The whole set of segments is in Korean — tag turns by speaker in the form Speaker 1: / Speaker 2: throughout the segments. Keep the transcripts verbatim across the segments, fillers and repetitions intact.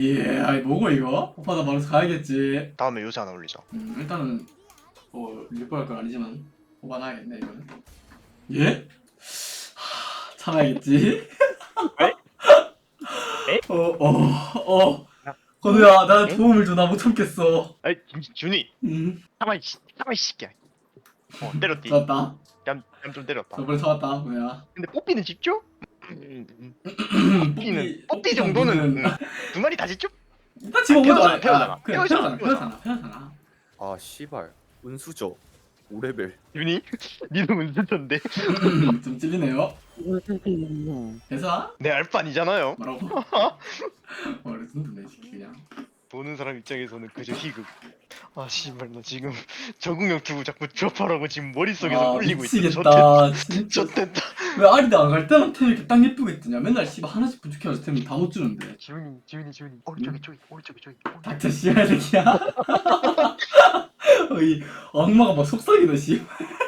Speaker 1: 예, 아이 뭐고 이거? 오빠도 바로 가야겠지.
Speaker 2: 다음에 요새 하나 올리자.
Speaker 1: 음, 일단은 뭐 일보할 건 아니지만 오반하겠네 이거는. 예? 하, 참아야겠지.
Speaker 2: 에? 에?
Speaker 1: 어, 어, 어. 건우야, 나 도움을 줘. 나 못 참겠어.
Speaker 2: 아이 준이.
Speaker 1: 음,
Speaker 2: 가만히 가만히 씹게. 어 때렸디.
Speaker 1: 좋았다.
Speaker 2: 얌얌좀 때렸다.
Speaker 1: 저번에 잡았다, 건우야.
Speaker 2: 근데 뽀삐는 집죠? 음, 음.
Speaker 1: 뽀삐,
Speaker 2: 뽀삐는 뽀삐 정도는 음, 두 마리 다 집죠?
Speaker 1: 일단 지금 오도 안 해.
Speaker 2: 태어나가,
Speaker 1: 그래,
Speaker 2: 태어나가.
Speaker 1: 태어나잖아, 태어나잖아, 태어나잖아.
Speaker 3: 아 씨발 운수저 오 레벨.
Speaker 2: 준이, 니도 문제던데.
Speaker 1: 좀 찔리네요. 대사?
Speaker 2: 내 알바 아니잖아요.
Speaker 1: 뭐라고? 어, 레전드네, 새끼 그냥.
Speaker 2: 보는 사람 입장에서는 그저 희극. 아 씨발 나 지금 적응형 투구 자꾸 드롭하라고 지금 머릿속에서
Speaker 1: 아,
Speaker 2: 굴리고 있어.
Speaker 1: 미치겠다. 진짜.
Speaker 2: 좋됐다.
Speaker 1: 왜 아리도 안 갈 때만 템 이렇게 딱 예쁘게 뜨냐? 맨날 씨발 하나씩 부족해가지고 템을 다 못 주는데.
Speaker 2: 지훈이 지훈이 지훈이 오른쪽에 저기 오른쪽에 저기.
Speaker 1: 닥쳐 씨발 새끼야. 어이 악마가 막 속삭이네 씨.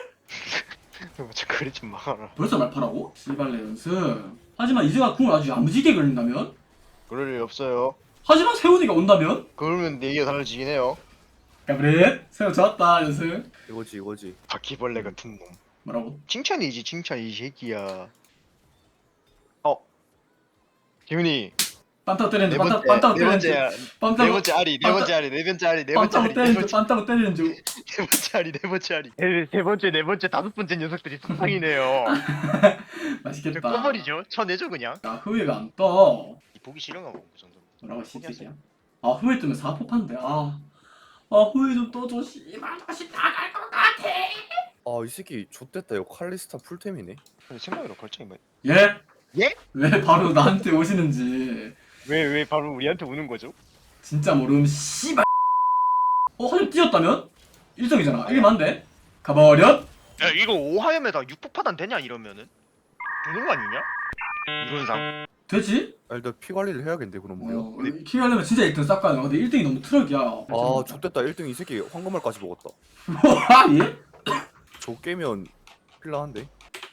Speaker 2: 저 그래 좀 막아라.
Speaker 1: 벌써 말파라고? 씨발레 연습. 하지만 이제가 궁을 아주 야무지게 걸린다면?
Speaker 2: 그럴 일 없어요.
Speaker 1: 하지만 세훈이가 온다면?
Speaker 2: 그러면 얘기가 달라지긴 해요.
Speaker 1: 가브렛 세훈 좋았다 연습.
Speaker 3: 이거지 이거지.
Speaker 2: 바퀴벌레 같은 놈.
Speaker 1: 뭐라고?
Speaker 2: 칭찬이지 칭찬 이 새끼야. 어. 지훈이
Speaker 1: 빤타고
Speaker 2: 네
Speaker 1: 때리는 중.
Speaker 2: 번째
Speaker 1: 빤타고
Speaker 2: 네
Speaker 1: 때리는
Speaker 2: 번째
Speaker 1: 중.
Speaker 2: 네
Speaker 1: 빤타고
Speaker 2: 번째 아리 네 번째 아리 네 번째 아리 네 번째
Speaker 1: 빤타고
Speaker 2: 아리 네
Speaker 1: 때리는 중.
Speaker 2: 번째
Speaker 1: 빤타고 때리는 중.
Speaker 2: 네 번째 아리 네 번째 아리 네, 세 번째 네 번째 다섯 번째 녀석들이 상상이네요. 저
Speaker 1: 맛있겠다.
Speaker 2: 꺼버리죠. 쳐내죠 그냥.
Speaker 1: 야 후회가 안 떠.
Speaker 2: 보기 싫은가 봐. 그 정도.
Speaker 1: 뭐라고 씨새끼야. 아 후회 뜨면 사포 판대. 아. 아 후회 좀 떠줘 씨발 다시 나갈 것 같아.
Speaker 3: 아 이 새끼 좆됐다. 이거 칼리스타 풀템이네.
Speaker 2: 근데 생각으로 걸창이 뭐?
Speaker 1: 예?
Speaker 2: 예?
Speaker 1: 왜 바로 나한테 오시는지
Speaker 2: 왜왜 바로 우리한테 오는 거죠?
Speaker 1: 진짜 모름 씨발. 어 하늘 뛰었다면? 일 등이잖아. 이게 맞는데? 가버렸?
Speaker 2: 야 이거 오하염에다 육폭파단 되냐 이러면은 되는 거 아니냐? 이론상.
Speaker 1: 되지?
Speaker 3: 아 일단 피 관리를 해야겠는데 그럼 뭐야?
Speaker 1: 어, 키하려면 진짜 일 등 싹 가야 돼. 근데 일 등이 너무 트럭이야.
Speaker 3: 아 좆됐다. 일 등 이 새끼 황금알까지 먹었다.
Speaker 1: 와 예?
Speaker 3: 저 깨면 필라한데.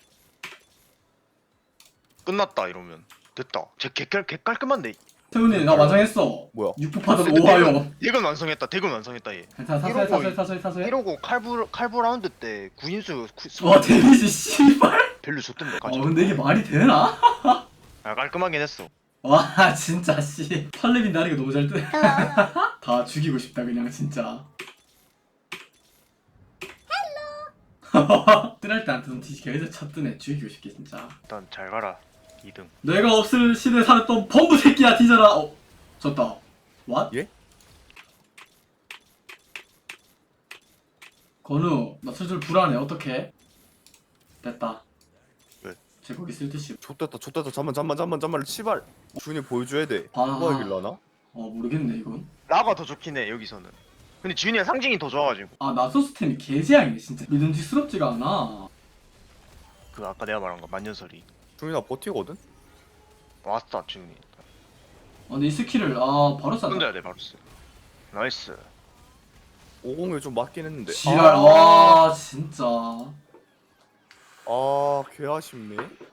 Speaker 2: 끝났다 이러면 됐다. 제 개깔 개깔끔한데.
Speaker 1: 태훈이 나 완성했어.
Speaker 3: 뭐야?
Speaker 1: 육포파던 오하요.
Speaker 2: 대근 완성했다. 대근 완성했다 얘.
Speaker 1: 괜찮아 사소해 사소해 사소해 사소해.
Speaker 2: 이러고 칼부 칼부 라운드 때 구인수 구-
Speaker 1: 와 데미지 씨발.
Speaker 2: 별로 줬던데
Speaker 1: 어
Speaker 2: 가져.
Speaker 1: 근데 이게 말이 되나?
Speaker 2: 아 깔끔하긴 했어.
Speaker 1: 와 진짜 씨. 팔레빈 나리가 너무 잘 뜨네. 다 죽이고 싶다 그냥 진짜. 뜨랄 때한테는 뒤지게 해서 첫 뜨네. 죽이고 싶게 진짜.
Speaker 2: 일단 잘 가라. 이 등.
Speaker 1: 내가 없을 시대에 살았던 범부 새끼야 뒤져라. 어 졌다. 왓?
Speaker 3: 예?
Speaker 1: 건우 나 슬슬 불안해. 어떡해? 됐다.
Speaker 2: 왜?
Speaker 1: 쟤 거기 쓸 듯이.
Speaker 3: 좆됐다. 좆됐다. 잠만 잠만 잠만 잠만 씨발. 준이 보여줘야 돼.
Speaker 1: 아.
Speaker 3: 누가 이길라나?
Speaker 1: 어 모르겠네 이건.
Speaker 2: 라가 더 좋긴 해 여기서는. 근데 지훈이가 상징이 더 좋아가지고.
Speaker 1: 아 나소스템이 개재앙이네 진짜. 믿음직스럽지가 않아.
Speaker 2: 그 아까 내가 말한 거 만년설이.
Speaker 3: 준이 나 버티거든.
Speaker 2: 왔다 지훈이.
Speaker 1: 아 근데 이 스킬을 아 바로 쐈다.
Speaker 2: 던져야 돼 바로 쓰. 나이스.
Speaker 3: 오공에 좀 맞긴 했는데.
Speaker 1: 지랄. 와 진짜.
Speaker 3: 아, 개 아쉽네.